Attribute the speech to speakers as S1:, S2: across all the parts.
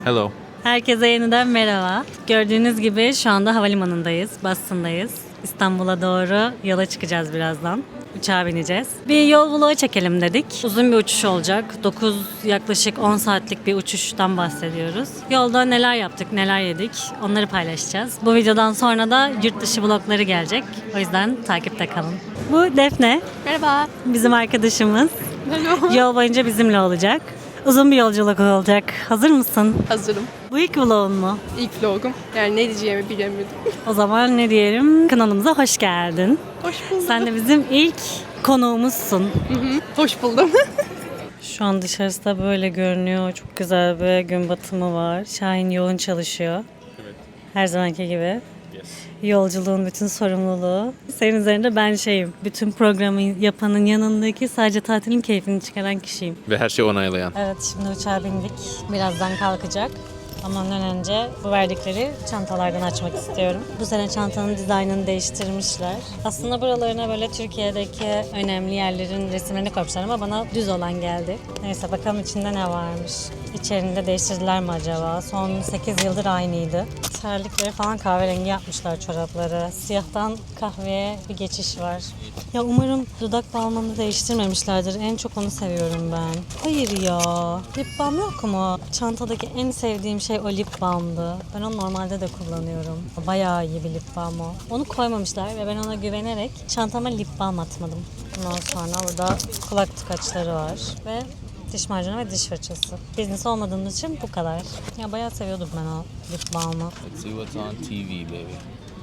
S1: Hello.
S2: Herkese yeniden merhaba. Gördüğünüz gibi şu anda havalimanındayız, Boston'dayız. İstanbul'a doğru yola çıkacağız birazdan. Uçağa bineceğiz. Bir yol vlogu çekelim dedik. Uzun bir uçuş olacak. Yaklaşık 10 saatlik bir uçuştan bahsediyoruz. Yolda neler yaptık, neler yedik onları paylaşacağız. Bu videodan sonra da yurt dışı vlogları gelecek. O yüzden takipte kalın. Bu Defne.
S3: Merhaba.
S2: Bizim arkadaşımız.
S3: Merhaba.
S2: Yol boyunca bizimle olacak. Uzun bir yolculuk olacak. Hazır mısın?
S3: Hazırım.
S2: Bu ilk vlogun mu?
S3: İlk vlogum. Yani ne diyeceğimi bilemedim.
S2: O zaman ne diyelim? Kanalımıza hoş geldin.
S3: Hoş buldum.
S2: Sen de bizim ilk konuğumuzsun.
S3: Hoş buldum.
S2: Şu an dışarısı da böyle görünüyor. Çok güzel bir gün batımı var. Şahin yoğun çalışıyor.
S1: Evet.
S2: Her zamanki gibi.
S1: Yes.
S2: Yolculuğun bütün sorumluluğu. Senin üzerinde ben şeyim. Bütün programı yapanın yanındaki sadece tatilin keyfini çıkaran kişiyim.
S1: Ve her şeyi onaylayan.
S2: Evet, şimdi uçağa bindik. Birazdan kalkacak. Ama ondan önce bu verdikleri çantalardan açmak istiyorum. Bu sene çantanın dizaynını değiştirmişler. Aslında buralarına böyle Türkiye'deki önemli yerlerin resimlerini koymuşlar ama bana düz olan geldi. Neyse bakalım içinde ne varmış. İçerinde değiştirdiler mi acaba? Son 8 yıldır aynıydı. Terlikleri falan kahverengi yapmışlar, çorapları. Siyahtan kahveye bir geçiş var. Ya umarım dudak balmını değiştirmemişlerdir. En çok onu seviyorum ben. Hayır ya. Lip balm yok mu? Çantadaki en sevdiğim şey o lip balmdı. Ben onu normalde de kullanıyorum. Bayağı iyi bir lip balm o. Onu koymamışlar ve ben ona güvenerek çantama lip balm atmadım. Ondan sonra burada kulak tıkaçları var ve diş macunu ve diş fırçası. Business olmadığımız için bu kadar. Ya bayağı seviyordum ben o lip balmı.
S1: Let's see what's on TV baby.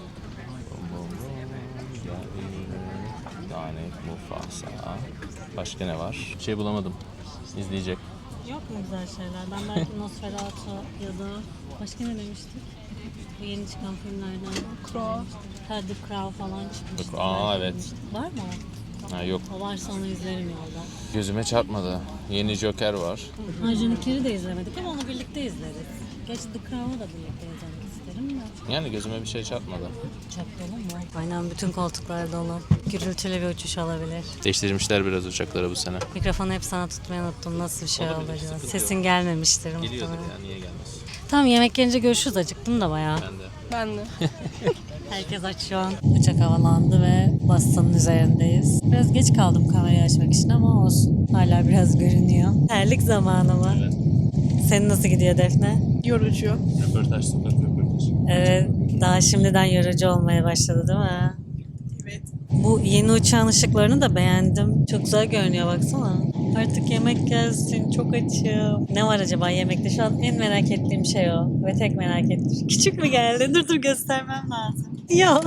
S1: Yani Mufasa. Başka ne var? Bir şey bulamadım. İzleyecek.
S2: Yok mu güzel şeyler? Ben belki Nosferatu ya da başka ne demiştik? Bu yeni çıkan filmlerden.
S3: Crow.
S2: Ha, The Crow falan çıkmıştı.
S1: Aa,
S2: belki
S1: evet.
S2: demiştik. Var mı o?
S1: Ha yok.
S2: O varsa onu izlerim yolda.
S1: Gözüme çarpmadı. Yeni Joker var.
S2: Arjun Kerry de izlemedik ama onu birlikte izleriz. Gerçi The Crow'u da birlikte izlemek isterim de.
S1: Yani gözüme bir şey çarpmadı.
S2: Çok dolu mu? Aynen, bütün koltuklar dolu. Gürültülü bir uçuş olabilir.
S1: Değiştirmişler biraz uçakları bu sene.
S2: Mikrofonu hep sana tutmayı unuttum. Nasıl bir şey
S1: Olabilir,
S2: oldu acaba?
S1: sıkıntı
S2: Sesin
S1: yok.
S2: gelmemiştir
S1: Geliyordur
S2: muhtemelen.
S1: ya, niye gelmez?
S2: Tamam, yemek gelince görüşürüz. Acıktım da bayağı.
S1: Ben de.
S3: Ben de.
S2: Herkes aç şu an. Uçak havalandı ve Boston'ın üzerindeyiz. Biraz geç kaldım kamerayı açmak için ama olsun. Hala biraz görünüyor. Terlik zamanı mı?
S1: Evet.
S2: Senin nasıl gidiyor Defne?
S3: Yorucu.
S1: Röportaj, sokak röportaj.
S2: Evet, daha şimdiden yorucu olmaya başladı değil mi?
S3: Evet.
S2: Bu yeni uçağın ışıklarını da beğendim. Çok güzel görünüyor, baksana. Artık yemek gelsin, çok açım. Ne var acaba yemekte? Şu an en merak ettiğim şey o. Ve tek merak ettiğim. Küçük mü geldi? Dur göstermem lazım. Ya.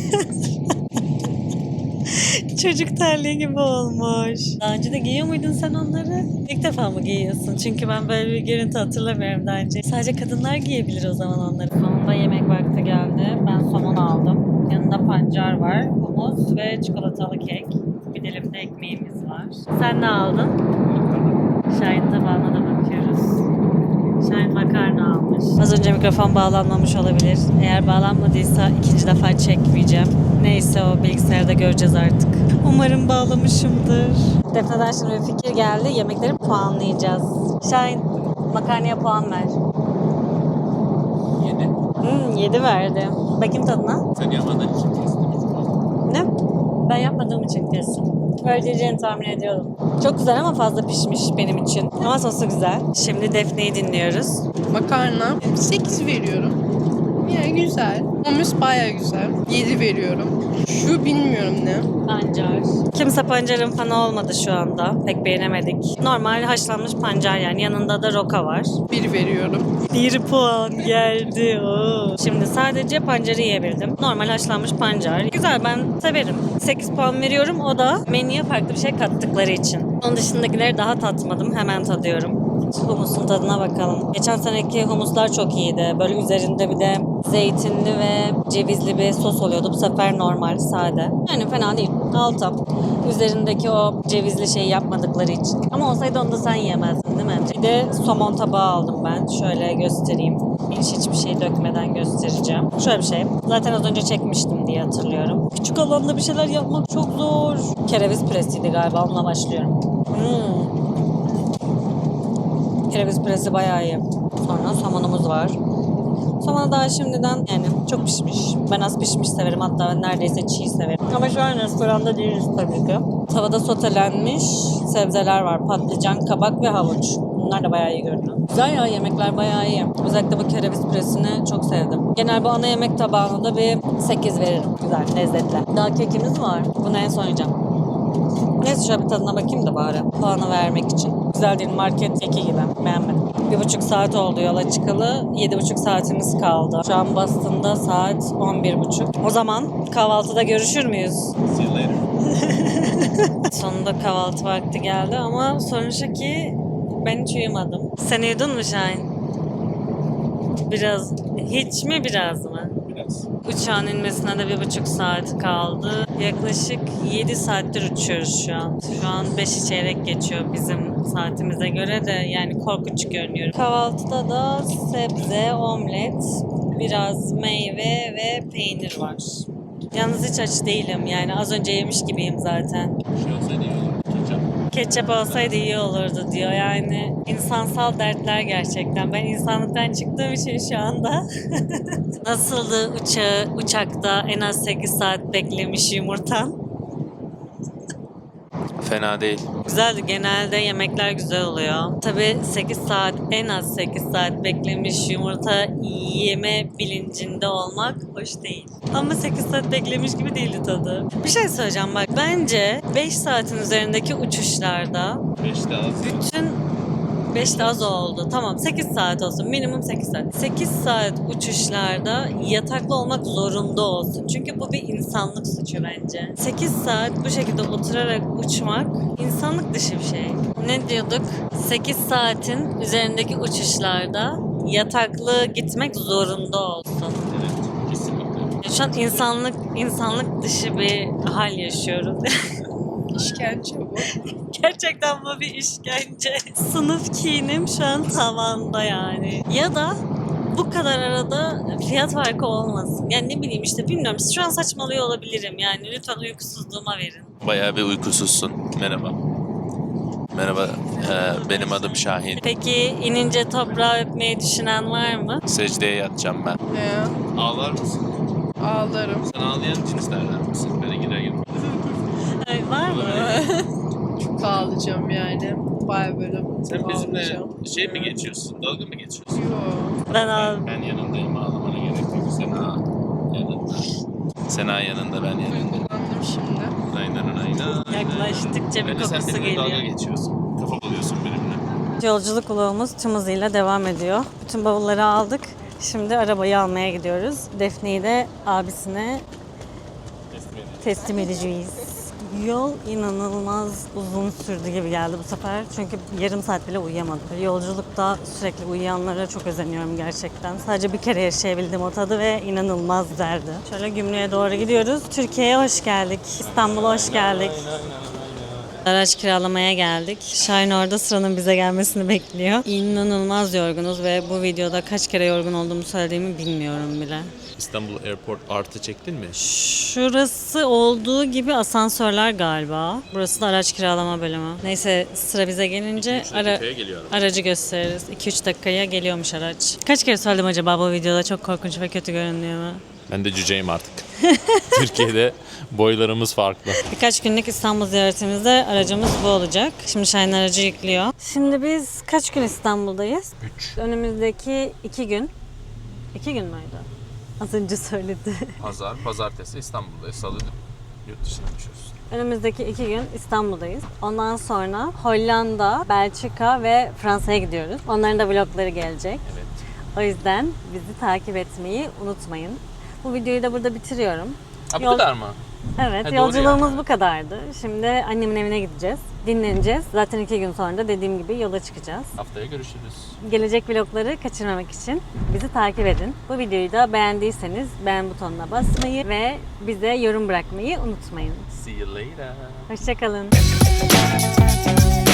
S2: Çocuk terliği gibi olmuş. Daha önce de giyiyor muydun sen onları? İlk defa mı giyiyorsun? Çünkü ben böyle bir görüntü hatırlamıyorum daha önce. Sadece kadınlar giyebilir o zaman onları. Sonunda yemek vakti geldi. Ben somon aldım. Yanında pancar var, humus ve çikolatalı kek. Bir dilim de ekmeğimiz var. Sen ne aldın? Şahin tabağına da bakıyoruz. Şahin makarna almış. Az önce mikrofon bağlanmamış olabilir. Eğer bağlanmadıysa ikinci defa çekmeyeceğim. Neyse, o bilgisayarda göreceğiz artık. Umarım bağlamışımdır. Defne'den şimdi bir fikir geldi. Yemekleri puanlayacağız. Şahin, makarnaya puan ver.
S1: 7.
S2: 7 verdi. Bakayım tadına.
S1: Sen yapmadığın için kesin.
S2: Ne? Ben yapmadığım için kesin. Öyle tahmin ediyordum. Çok güzel ama fazla pişmiş benim için. Ama sosu güzel. Şimdi Defne'yi dinliyoruz.
S3: Makarna. 8 veriyorum. Yani güzel. Humus baya güzel. 7 veriyorum. Şu bilmiyorum ne.
S2: Pancar. Kimse pancarın fanı olmadı şu anda. Pek beğenemedik. Normal haşlanmış pancar yani. Yanında da roka var.
S3: 1 veriyorum.
S2: 1 puan geldi. Oo. Şimdi sadece pancarı yiyebildim. Normal haşlanmış pancar. Güzel, ben severim. 8 puan veriyorum. O da menüye farklı bir şey kattıkları için. Onun dışındakileri daha tatmadım. Hemen tadıyorum. Humusun tadına bakalım. Geçen seneki humuslar çok iyiydi. Böyle üzerinde bir de zeytinli ve cevizli bir sos oluyordu. Bu sefer normal, sade. Yani fena değil. 6. Üzerindeki o cevizli şeyi yapmadıkları için. Ama olsaydı onu da sen yiyemezdin değil mi? Bir de somon tabağı aldım ben. Şöyle göstereyim. Hiçbir şey dökmeden göstereceğim. Şöyle bir şey. Zaten az önce çekmiştim diye hatırlıyorum. Küçük alanda bir şeyler yapmak çok zor. Kereviz püresiydi galiba. Onunla başlıyorum. kereviz püresi bayağı iyi. Sonra somonumuz var. Somonu daha şimdiden yani çok pişmiş. Ben az pişmiş severim, hatta neredeyse çiğ severim. Ama şu an restoranda değiliz tabii ki. Tavada sotelenmiş sebzeler var. Patlıcan, kabak ve havuç. Bunlar da bayağı iyi görünüyor. Güzel ya, yemekler bayağı iyi. Özellikle bu kereviz püresini çok sevdim. Genel bu ana yemek tabağına da bir 8 veririm. Güzel, lezzetli. Daha kekimiz var. Bunu en son yiyeceğim. Neyse şöyle bir tadına bakayım da bari. Puanı vermek için. Güzel değil, market keki gibi. Beğenmedim. 1,5 saat oldu yola çıkalı. 7,5 saatimiz kaldı. Şu an Boston'da saat 11,5. O zaman kahvaltıda görüşür müyüz?
S1: See you later.
S2: Sonunda kahvaltı vakti geldi ama sorun şu ki ben hiç uyumadım. Sen uyudun mu Şahin? Biraz. Hiç mi biraz mı?
S1: Biraz.
S2: Uçağın inmesine de 1,5 saat kaldı. Yaklaşık 7 saattir uçuyoruz şu an. Şu an 5'i çeyrek geçiyor bizim saatimize göre de, yani korkunç görünüyor. Kahvaltıda da sebze, omlet, biraz meyve ve peynir var. Yalnız hiç aç değilim, yani az önce yemiş gibiyim zaten.
S1: Şey olsaydı iyi olur. Ketçap.
S2: Ketçap olsaydı iyi olurdu diyor, yani insansal dertler gerçekten. Ben insanlıktan çıktığım için şu anda. Nasıldı uçakta en az 8 saat beklemiş yumurtan?
S1: Fena değil.
S2: Güzeldi, genelde yemekler güzel oluyor. Tabii 8 saat, en az 8 saat beklemiş yumurta yeme bilincinde olmak hoş değil. Ama 8 saat beklemiş gibi değildi tadı. Bir şey söyleyeceğim bak, bence 5 saatin üzerindeki uçuşlarda
S1: 5 de az.
S2: bütün 5 de az oldu. Tamam 8 saat olsun. Minimum 8 saat. 8 saat uçuşlarda yataklı olmak zorunda olsun. Çünkü bu bir insanlık suçu bence. 8 saat bu şekilde oturarak uçmak insanlık dışı bir şey. Ne diyorduk? 8 saatin üzerindeki uçuşlarda yataklı gitmek zorunda olsun.
S1: Evet. Kesinlikle.
S2: Şu an insanlık dışı bir hal yaşıyoruz.
S3: İşkence bu.
S2: Gerçekten bu bir işkence. Sınıf kinim şu an tavanda yani. Ya da bu kadar arada fiyat farkı olmasın. Yani ne bileyim işte, bilmiyorum. Şu an saçmalıyor olabilirim yani. Lütfen uykusuzluğuma verin.
S1: Bayağı bir uykusuzsun. Merhaba. Merhaba. Benim adım Şahin.
S2: Peki inince toprağı öpmeyi düşünen var mı?
S1: Secdeye yatacağım ben. Ağlar mısın?
S3: Ağlarım.
S1: Sen ağlayan cinslerden misin? Böyle gider gibi.
S2: Ay, var mı?
S3: Çok ağlayacağım yani. Baya böyle
S1: Sen bizimle
S3: ağlayacağım.
S1: şey mi geçiyorsun? Dalga mı geçiyorsun?
S3: Yo.
S2: Ben
S1: yanındayım. Ağlamana gerek yok. Sena yanında. Sena yanında, ben yanında.
S3: Duygulandım şimdi.
S1: Aynen.
S2: yaklaştıkça bir
S1: Bence sen
S2: kokusu
S1: benimle dalga
S2: geliyor.
S1: geçiyorsun. Kafa buluyorsun benimle.
S2: Yolculuk vlogumuz tüm hızıyla devam ediyor. Bütün bavulları aldık. Şimdi arabayı almaya gidiyoruz. Defne'yi de abisine teslim edeceğiz. Yol inanılmaz uzun sürdü gibi geldi bu sefer. Çünkü yarım saat bile uyuyamadım. Yolculukta sürekli uyuyanlara çok özeniyorum gerçekten. Sadece bir kere yaşayabildim o tadı ve inanılmaz güzeldi. Şöyle Gümrük'e doğru gidiyoruz. Türkiye'ye hoş geldik. İstanbul'a hoş geldik. Araç kiralamaya geldik. Şahin orada sıranın bize gelmesini bekliyor. İnanılmaz yorgunuz ve bu videoda kaç kere yorgun olduğumu söylediğimi bilmiyorum bile.
S1: İstanbul Airport artı çektin mi?
S2: Şurası olduğu gibi asansörler galiba. Burası da araç kiralama bölümü. Neyse sıra bize gelince aracı gösteririz. 2-3 dakikaya geliyormuş araç. Kaç kere söyledim acaba bu videoda çok korkunç ve kötü görünüyor mu?
S1: Ben de cüceyim artık. Türkiye'de boylarımız farklı.
S2: Birkaç günlük İstanbul ziyaretimizde aracımız bu olacak. Şimdi Şahin aracı yüklüyor. Şimdi biz kaç gün İstanbul'dayız? 3. Önümüzdeki 2 gün. 2 gün müydü? Az önce söyledi.
S1: Pazartesi İstanbul'dayız. Salı yurt dışına uçuyoruz.
S2: Önümüzdeki 2 gün İstanbul'dayız. Ondan sonra Hollanda, Belçika ve Fransa'ya gidiyoruz. Onların da vlogları gelecek.
S1: Evet.
S2: O yüzden bizi takip etmeyi unutmayın. Bu videoyu da burada bitiriyorum.
S1: Ha, bu kadar mı?
S2: Evet,
S1: Ha, doğru
S2: yolculuğumuz
S1: yani.
S2: bu kadardı. Şimdi annemin evine gideceğiz. Dinleneceğiz. Zaten 2 gün sonra da dediğim gibi yola çıkacağız.
S1: Haftaya görüşürüz.
S2: Gelecek vlogları kaçırmamak için bizi takip edin. Bu videoyu da beğendiyseniz beğen butonuna basmayı ve bize yorum bırakmayı unutmayın.
S1: See you later.
S2: Hoşçakalın.